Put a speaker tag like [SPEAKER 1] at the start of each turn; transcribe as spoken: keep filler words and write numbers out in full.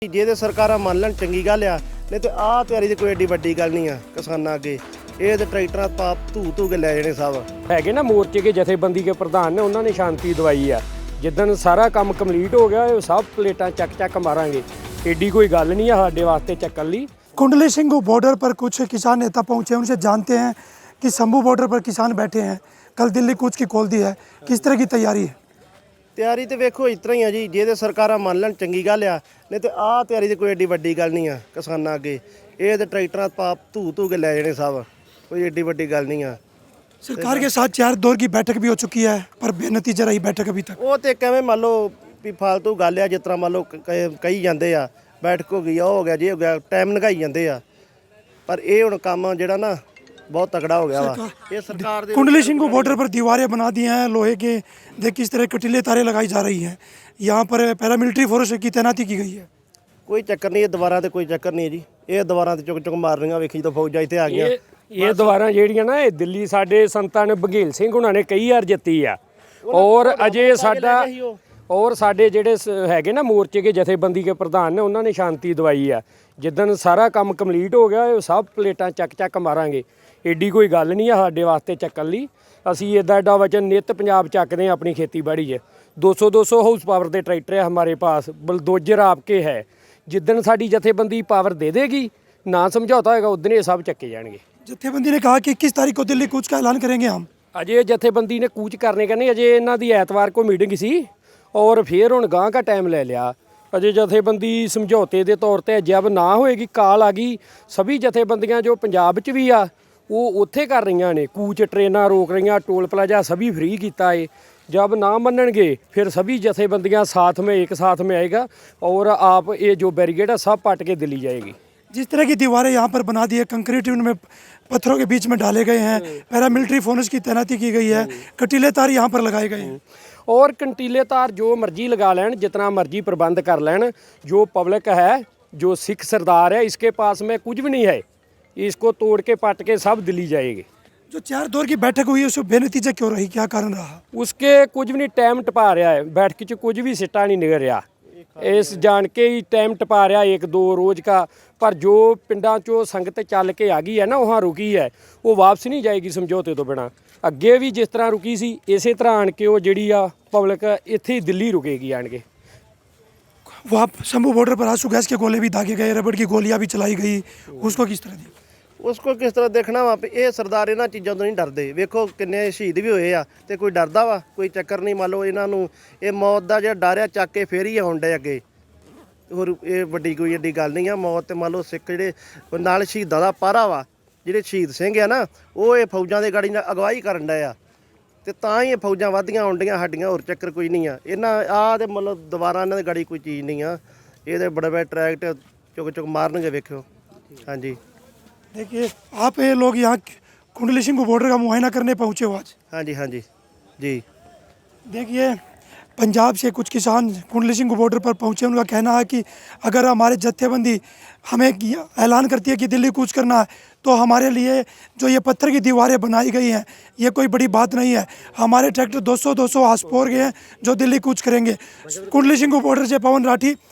[SPEAKER 1] ਜੇ ਤੇ ਸਰਕਾਰਾਂ ਮੰਨ ਲੈਣ ਚੰਗੀ ਗੱਲ ਆ, ਨਹੀਂ ਤੇ ਆਹ ਤਿਆਰੀ ਦੀ ਕੋਈ ਏਡੀ ਵੱਡੀ ਗੱਲ ਨਹੀਂ ਆ ਕਿਸਾਨਾਂ ਅੱਗੇ। ਇਹ ਤੇ ਟਰੈਕਟਰਾਂ ਪਾਪ ਧੂ ਧੂ ਕੇ ਲੈ ਜਾਣੇ ਸਭ
[SPEAKER 2] ਹੈਗੇ ਨਾ ਮੋਰਚੇ ਕੇ ਜਥੇਬੰਦੀ ਕੇ ਪ੍ਰਧਾਨ ਨੇ, ਉਹਨਾਂ ਨੇ ਸ਼ਾਂਤੀ ਦਵਾਈ ਆ। ਜਿੱਦਣ ਸਾਰਾ ਕੰਮ ਕੰਪਲੀਟ ਹੋ ਗਿਆ, ਇਹ ਸਭ ਪਲੇਟਾਂ ਚੱਕ ਚੱਕ ਮਾਰਾਂਗੇ। ਏਡੀ कोई गल नहीं है साडे वास्ते चक्कन ली।
[SPEAKER 3] कुंडली सिंह बॉर्डर पर कुछ किसान नेता पहुंचे, उनसे जानते हैं कि शंभू बॉर्डर पर किसान बैठे हैं, कल दिल्ली कूच की खोल दी है, किस तरह की तैयारी है?
[SPEAKER 1] ਤਿਆਰੀ ਤੇ ਵੇਖੋ ਇਸ ਤਰ੍ਹਾਂ ਹੀ ਆ ਜੀ। ਜੇ ਤੇ ਸਰਕਾਰਾਂ ਮੰਨ ਲੈਣ ਚੰਗੀ ਗੱਲ ਆ, ਨਹੀਂ ਤੇ ਆਹ ਤਿਆਰੀ ਦੀ ਕੋਈ ਏਡੀ ਵੱਡੀ ਗੱਲ ਨਹੀਂ ਆ ਕਿਸਾਨਾਂ ਅੱਗੇ। ਇਹ ਤੇ ਟਰੈਕਟਰਾਂ ਪਾਪ ਧੂ ਧੂ ਕੇ ਲੈ ਜਾਣੇ ਸਭ, ਕੋਈ ਏਡੀ ਵੱਡੀ ਗੱਲ ਨਹੀਂ ਆ।
[SPEAKER 3] सरकार के साथ चार दौर की बैठक भी हो चुकी है, पर बेनतीजा रही बैठक अभी तक।
[SPEAKER 1] ਉਹ ਤੇ ਕਿਵੇਂ ਮੰਨ ਲਓ ਵੀ ਫालतू ਗੱਲ ਆ, ਜਿਸ ਤਰ੍ਹਾਂ ਮੰਨ ਲਓ ਕ- ਕਹੀ ਜਾਂਦੇ ਆ ਬੈਠਕ ਹੋ ਗਈ ਆ, ਉਹ ਹੋ ਗਿਆ ਜੀ ਹੋ ਗਿਆ, ਟਾਈਮ ਲੰਘਾਈ ਜਾਂਦੇ ਆ। ਪਰ ਇਹ ਹੁਣ ਕੰਮ ਜਿਹੜਾ ਨਾ बहुत तगड़ा हो गया वा। ये सरकार दे
[SPEAKER 3] कुंडली सिंह बॉर्डर पर दीवारें बना दी हैं लोहे के, देख किस तरह कटीले तारे लगाई जा रही हैं। यहाँ पर पैरामिलिट्री फोर्स की तैनाती की गई है।
[SPEAKER 1] कोई चक्कर नहीं, ये दीवारां ते कोई चक्कर नहीं है जी। ये दीवारां ते चुक चुक मार रही वेखी तो फौजा इत्थे आ गई।
[SPEAKER 2] ਇਹ ਇਹ ਦੁਆਰਾ ਜਿਹੜੀਆਂ ਨਾ ਇਹ ਦਿੱਲੀ ਸਾਡੇ ਸੰਤਾਂ ਨੇ ਬਘੇਲ ਸਿੰਘ ਉਹਨਾਂ ਨੇ ਕਈ ਵਾਰ ਜਿੱਤੀ ਆ। ਔਰ ਅਜੇ ਸਾਡਾ ਔਰ ਸਾਡੇ ਜਿਹੜੇ ਸ- ਹੈਗੇ ਨਾ ਮੋਰਚੇ ਕੇ ਜਥੇਬੰਦੀ ਕੇ ਪ੍ਰਧਾਨ ਨੇ, ਉਹਨਾਂ ਨੇ ਸ਼ਾਂਤੀ ਦਵਾਈ ਆ। ਜਿੱਦਣ ਸਾਰਾ ਕੰਮ ਕੰਪਲੀਟ ਹੋ ਗਿਆ, ਇਹ ਸਭ ਪਲੇਟਾਂ ਚੱਕ ਚੱਕ ਮਾਰਾਂਗੇ। ਏਡੀ ਕੋਈ ਗੱਲ ਨਹੀਂ ਆ ਸਾਡੇ ਵਾਸਤੇ ਚੱਕਣ ਲਈ। ਅਸੀਂ ਇੱਦਾਂ ਐਡਾ ਵਚਨ ਨਿੱਤ ਪੰਜਾਬ ਚੱਕਦੇ ਹਾਂ ਆਪਣੀ ਖੇਤੀਬਾੜੀ 'ਚ। दो सौ दो सौ हाउस पावर के ट्रैक्टर है हमारे पास, बुलडोजर आपके है। जिदन साड़ी जथेबंदी पावर दे देगी, ना समझौता होगा, उदन ये सब चक्के जाएंगे।
[SPEAKER 3] जथेबंदी ने कहा कि इक्कीस तारीख को दिल्ली कूच का ऐलान करेंगे हम।
[SPEAKER 2] अजय जथेबंदी ने कूच करने का नहीं, अजय इन्हों की ऐतवार को मीटिंग सी और फिर हुण गांह का टाइम ले लिया। अजय जथेबंदी समझौते के तौर पर जब ना होएगी, काल आ गई, सभी जथेबंदियां जो पंजाब च भी आ वो उत्थे कर रही ने, कूच ट्रेनां रोक रही, टोल प्लाजा सभी फ्री किया है। जब ना मनणगे फिर सभी जथेबंदियां साथ में एक साथ में आएगा और आप ये जो बैरिकेड है सब पट के दिल्ली जाएगी।
[SPEAKER 3] जिस तरह की दीवारें यहाँ पर बना दी है, कंक्रीट उनमें पत्थरों के बीच में डाले गए हैं, पैरामिलिट्री फोर्स की तैनाती की गई है, कटीले तार यहाँ पर लगाए गए हैं।
[SPEAKER 2] और कंटीले तार जो मर्जी लगा लैन, जितना मर्जी प्रबंध कर लैन। जो पब्लिक है, जो सिख सरदार है, इसके पास में कुछ भी नहीं है, इसको तोड़ के पट के सब दिल्ली जाएगी।
[SPEAKER 3] जो चार दौर की बैठक हुई है उसमें बेनतीजा क्यों रही, क्या कारण रहा?
[SPEAKER 2] उसके कुछ भी नहीं टाइम टपा रहा है, बैठक च कुछ भी सिट्टा नहीं निकल रहा। इस जान के ही टाइम टपा रहा एक दो रोज़ का। पर जो पिंडा चो संगत चल के आ गई है ना, वहाँ रुकी है, वो वापस नहीं जाएगी समझौते तो बिना। अगे भी जिस तरह रुकी सी, इस तरह आन के वो जिहड़ी आ पब्लिक इत्थे ही दिल्ली रुकेगी आन के।
[SPEAKER 3] वहाँ शंभू बॉर्डर पर आंसू गैस के गोले भी दागे गए, रबड़ की गोलियां भी चलाई गई, उसको किस तरह दी?
[SPEAKER 1] उसको किस तरह देखना वा। ये सरदार इन्हां चीज़ों तो नहीं डरते। वेखो किन्ने शहीद भी होए आ, ते कोई डरदा वा? कोई चक्कर नहीं। मान लो इन्हां नूं ये मौत दा जिहड़ा डर आ ਚੱਕ ਕੇ ਫੇਰ ਹੀ ਆਉਣ ਡੇ ਅੱਗੇ। ਹੋਰ ਇਹ ਵੱਡੀ ਕੋਈ ਏਡੀ ਗੱਲ ਨਹੀਂ ਆ। ਮੌਤ ਤੇ ਮੰਨ ਲਓ ਸਿੱਖ ਜਿਹੜੇ ਨਾਲ ਸ਼ਹੀਦਾਂ ਦਾ ਪਾਰਾ ਵਾ, ਜਿਹੜੇ ਸ਼ਹੀਦ ਸਿੰਘ ਆ ਨਾ, ਉਹ ਇਹ ਫੌਜਾਂ ਦੇ ਗਾੜੀ ਨਾਲ ਅਗਵਾਈ ਕਰਨ ਡੇ ਆ, ਤੇ ਤਾਂ ਹੀ ਇਹ ਫੌਜਾਂ ਵੱਧਦੀਆਂ ਆਉਂਦੀਆਂ ਸਾਡੀਆਂ। ਹੋਰ ਚੱਕਰ ਕੋਈ ਨਹੀਂ ਆ। ਇਹਨਾਂ ਆਹ ਤੇ ਮਤਲਬ ਦੁਬਾਰਾ ਇਹਨਾਂ ਦੇ ਗਾੜੀ ਕੋਈ ਚੀਜ਼ ਨਹੀਂ ਆ। ਇਹਦੇ ਬੜੇ ਬੜੇ ਟਰੈਕਟ ਚੁੱਕ ਚੁੱਕ ਮਾਰਨਗੇ, ਵੇਖਿਓ। ਹਾਂਜੀ
[SPEAKER 3] देखिए आप ये लोग यहाँ कुंडली सिंह बॉर्डर का मुआयना करने पहुँचे हो आज।
[SPEAKER 1] हाँ जी हाँ जी जी।
[SPEAKER 3] देखिए पंजाब से कुछ किसान कुंडली सिंह बॉर्डर पर पहुँचे, उनका कहना है कि अगर हमारे जत्थेबंदी हमें ऐलान करती है कि दिल्ली कूच करना है, तो हमारे लिए जो ये पत्थर की दीवारें बनाई गई हैं ये कोई बड़ी बात नहीं है। हमारे ट्रैक्टर दो सौ दो सौ हाउस पावर के हैं जो दिल्ली कूच करेंगे। कुंडली सिंह बॉर्डर से पवन राठी,